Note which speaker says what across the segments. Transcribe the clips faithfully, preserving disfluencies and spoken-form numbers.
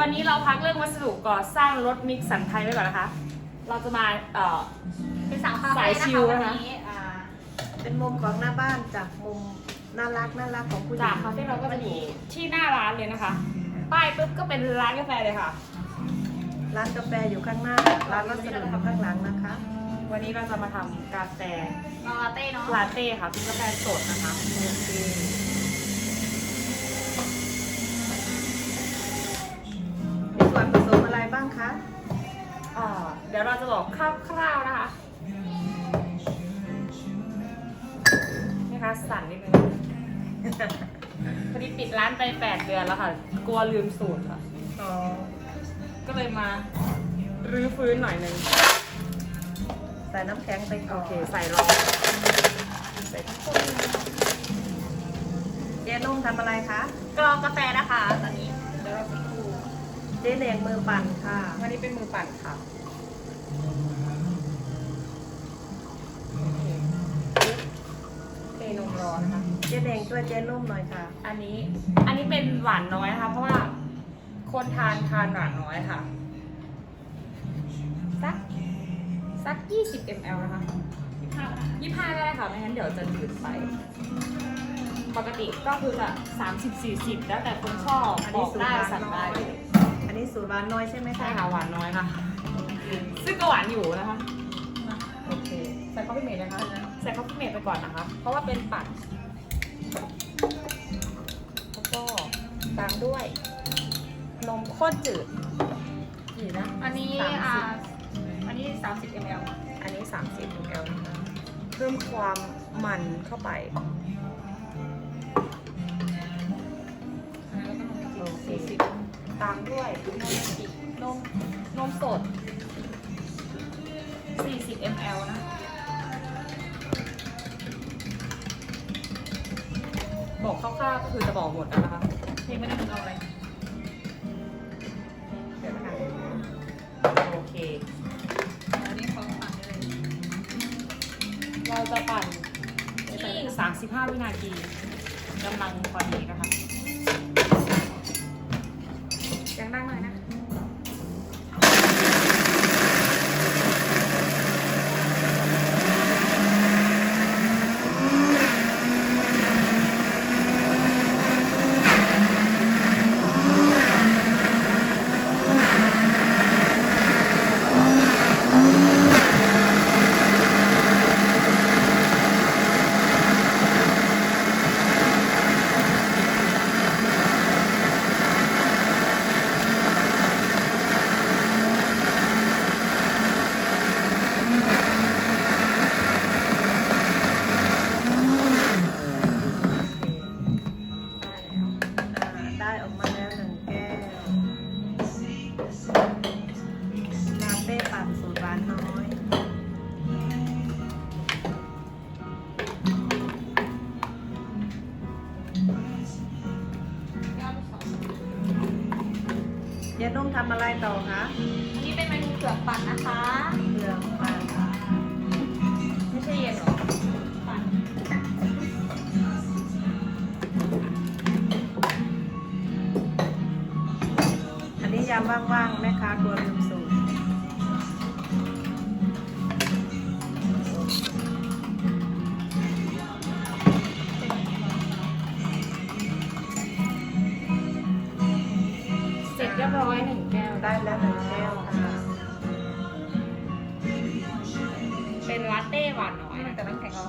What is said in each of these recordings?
Speaker 1: วันนี้เราพักเรื่องวัสดุก่อสร้างรถมิกสันไทยไว้ก่อนนะคะเราจะมาเอ่อ
Speaker 2: เป็นสาวคาเฟ่
Speaker 1: สาย
Speaker 2: นะ
Speaker 1: ชิ
Speaker 2: คะ
Speaker 1: ล
Speaker 2: วัน
Speaker 1: นะคะ
Speaker 2: นี้อ่า
Speaker 3: เป็นมุมของหน้าบ้านจากมุมน่ารักน่ารักของผู้หญิ
Speaker 1: จาก
Speaker 3: ง
Speaker 1: คาเฟ่เราก็จะอยู่ที่หน้าร้านเลยนะคะป้ายปุ๊บก็เป็นร้านกาแฟเลยค่ะ
Speaker 3: ร้านกาแฟอยู่ข้างหน้า ร้านวัสดุอยู่ข้างหลังนะคะ
Speaker 1: วันนี้เราจะมาทำกาแฟ
Speaker 2: ลาเต้เนาะ
Speaker 1: ลาเต้ค่ะเป็นกาแฟสดนะคะ
Speaker 3: โอเคมีส่วนผสมอะไรบ้างคะ
Speaker 1: อ่าเดี๋ยวเราจะบอกคร่าวๆนะคะนี่คะสั่นนิดนึงพอดีปิดร้านไปแปดเดือนแล้วค่ะกลัวลืมสูตรค่ะ
Speaker 3: อ๋อ
Speaker 1: ก็เลยมารื้อฟื้นหน่อยนึง
Speaker 3: ใส่น้ำแข็งไปก่
Speaker 1: โอ
Speaker 3: อน
Speaker 1: เคใส่รองใส่ทั้งคน
Speaker 3: เจ๊นุ่มทำอะไรคะ
Speaker 2: กรองกาแฟนะคะตอนนี้เดี๋ยวเราไปดู
Speaker 3: เจ๊แดงมือปั่นค่ะ
Speaker 1: วันนี้เป็นมือปั่นค่ะเทนมร้อนนะคะ
Speaker 3: เจ๊แดงช่วยเจ๊นุ่มหน่อยค่ะ
Speaker 1: อันนี้อันนี้เป็นหวานน้อยนะคะ เพราะว่าคนทานทานหวานน้อยค่ะ สักสักยี่สิบมิลลิลิตรนะคะ
Speaker 2: ยี่ห้านะคะ
Speaker 1: ยี่ห้าก็ได้ค่ะ ไม่งั้นเดี๋ยวจะจืดไป ปกติก็คือจะสามสิบสี่สิบแล้วแต่คนชอบ
Speaker 3: อัน
Speaker 1: บ
Speaker 3: นี้
Speaker 1: อก
Speaker 3: สูตร
Speaker 1: ได้
Speaker 3: หวาน
Speaker 1: สั่ง
Speaker 3: น้อ
Speaker 1: ได้
Speaker 3: ย อันนี้สูตรหวานน้อยใช่ไหม
Speaker 1: ใช่
Speaker 3: คะ
Speaker 1: ค่ะหวานน้อยค่ะ ซึ่งก็หวานอยู่นะคะ
Speaker 3: โอเค
Speaker 1: ใส่คอฟฟี่เมดนะคะใส่คอฟฟี่เมดไปก่อนนะคะ เพราะว่าเป็นปั่นแล้วก็ตามด้วย นมข้นจืดกี่นะ
Speaker 2: อันนี้
Speaker 1: สามสิบ
Speaker 2: อ่าอันนี้สามสิบมิลลิลิตร
Speaker 1: อันนี้สามสิบมิลลิลิตรนะคะเพิ่มความมันเข้าไป
Speaker 2: แล้วก็นม
Speaker 1: โอเคตามด้วยนมจีนมนมสดสี่สิบมิลลิลิตรนะ บอกคร่าวๆก็คือจะบอกหมดแล้วนะคะ
Speaker 2: ยังไม่ได้ถึงเอาอะไร
Speaker 1: เดี๋ยวนะคะโอเค
Speaker 2: อันนี้ของปั่นได้เลย
Speaker 1: เราจะปั่นที่สามสิบห้าวินาทีกำลังพอดีนะคะเสียงดังหน่อยนะ
Speaker 3: อ่าได้ออกมาแล้วหนึ่งแก้วลาเต้ปั่นสูตรหวานน้อย
Speaker 2: ยอดสอง
Speaker 3: เจ๊นุ่มทำอะไรต่อคะ
Speaker 2: อันนี้เป็นเมนูเผือกปั่นนะคะ
Speaker 3: เปลือกปั่น
Speaker 1: ไม่ใช่เย็นหรอ
Speaker 2: ปั่น
Speaker 3: อันนี้ยามว่างๆแม่ค้ากลัวลืมสูตร
Speaker 1: เสร็จเรียบร้อยหนึ่งแก้ว
Speaker 3: ได้แล้วหนึ่งแก้วค่ะ
Speaker 1: เป็นลาเต้หวานน้อยนะ
Speaker 2: แต่น้ำแข็งเรา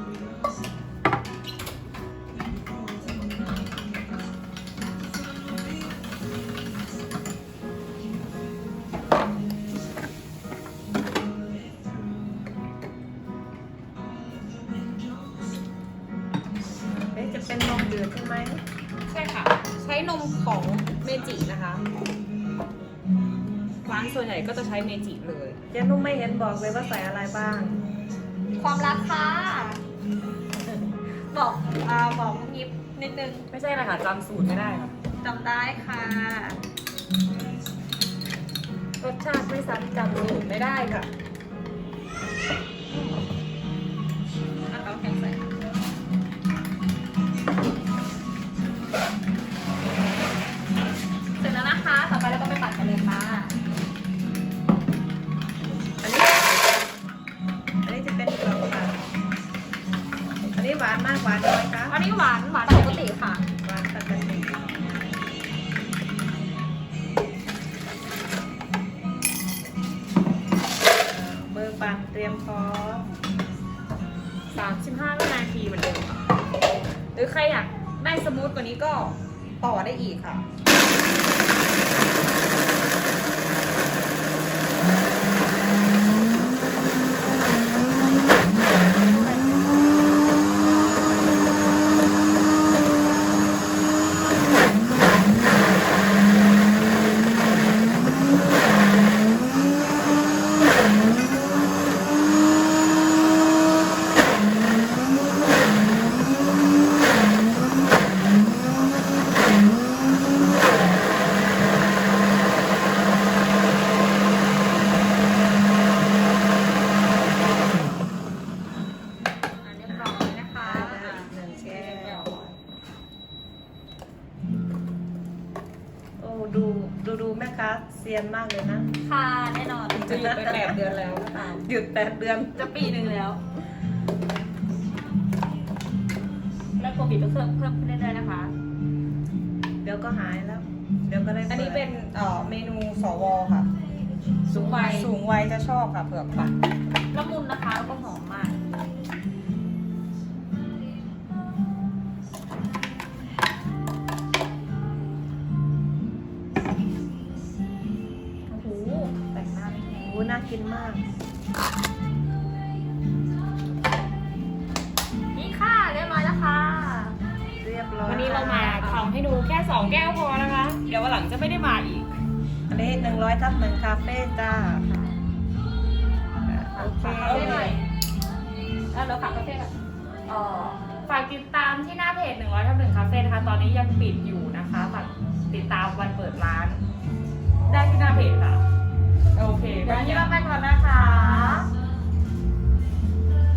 Speaker 3: เอ๊ะจะเป็นนมจืดใช่ไหม
Speaker 1: ใช่ค่ะ ใช้นมของเมจินะคะร้านส่วนใหญ่ก็จะใช้เมจิเลย
Speaker 3: เจ๊นุ่มไม่เห็นบอกเลยว่าใส่อะไรบ้าง
Speaker 2: ความรักค่ะบอกอ่าบอกยิบนิดนึง
Speaker 1: ไม่ใช่อะไรค่ะจำสูตรไม่ได้ค่ะ
Speaker 2: จำได้ค่ะ
Speaker 1: รสชาติไม่ซ้ำจำสูตรไม่ได้ค่ะ
Speaker 2: เอาน้ำแข็งใส่เสร็จแล้วนะคะ ต่อไปเราก็ไป
Speaker 3: พร้อม
Speaker 1: สามสิบห้าวินาทีเหมือนเดิมค่ะหรือใครอยากได้สมูทกว่านี้ก็ต่อได้อีกค่ะ
Speaker 2: อันเรียบร้อยนะคะ
Speaker 3: หนึ่งแก้วโอ้ดูดูดูแม่ค้าเซียนมากเลยนะ
Speaker 2: ค่ะแน่นอน
Speaker 1: จะหยุดไปแปดเดือนแล้วหรือเปล่า
Speaker 3: หยุดแปดเดือน
Speaker 2: จะปีหนึ่งแล้ว แล้วโควิดก็เพิ่มเพิ่มขึ้นเรื่อยๆนะคะ
Speaker 3: เดี๋ยวก็หายแล้ว เดี๋ยวก็ได้
Speaker 1: อันนี้เป็น
Speaker 3: ปิด
Speaker 1: เอ่อเมนูสวค่ะ
Speaker 2: สูงวัย
Speaker 1: สูงวัยจะชอบค่ะเผือกปั่น
Speaker 2: ละมุนนะคะแล้วก็หอมมาก
Speaker 1: โอ้โหแต่งหน้าไม่แพง
Speaker 3: โอ้น่ากินมาก
Speaker 2: นี่ค่ะเรียบร้อยแล้วค่ะ
Speaker 3: เรียบร้อย
Speaker 1: วันนี้เรามาทำให้ดูแค่สองแก้วพอนะคะ เดี๋ยววันหลังจะไม่ได้มาอีก
Speaker 3: อันนี้หนึ่งร้อยทับหนึ่งคาเฟ่จ้าโอเค
Speaker 2: ฝากคาเฟ่หน่อยแล้วเราฝากคาเฟ่ก่อน
Speaker 1: เอ่อฝากติดตามที่หน้าเพจหนึ่งร้อยทับหนึ่งคาเฟ่นะคะ ตอนนี้ยังปิดอยู่นะคะฝากติดตามวันเปิดร้าน ได้ที่หน้าเพจค่ะ โอเค
Speaker 2: เดี๋ยววันนี้เราไปก่อนนะคะ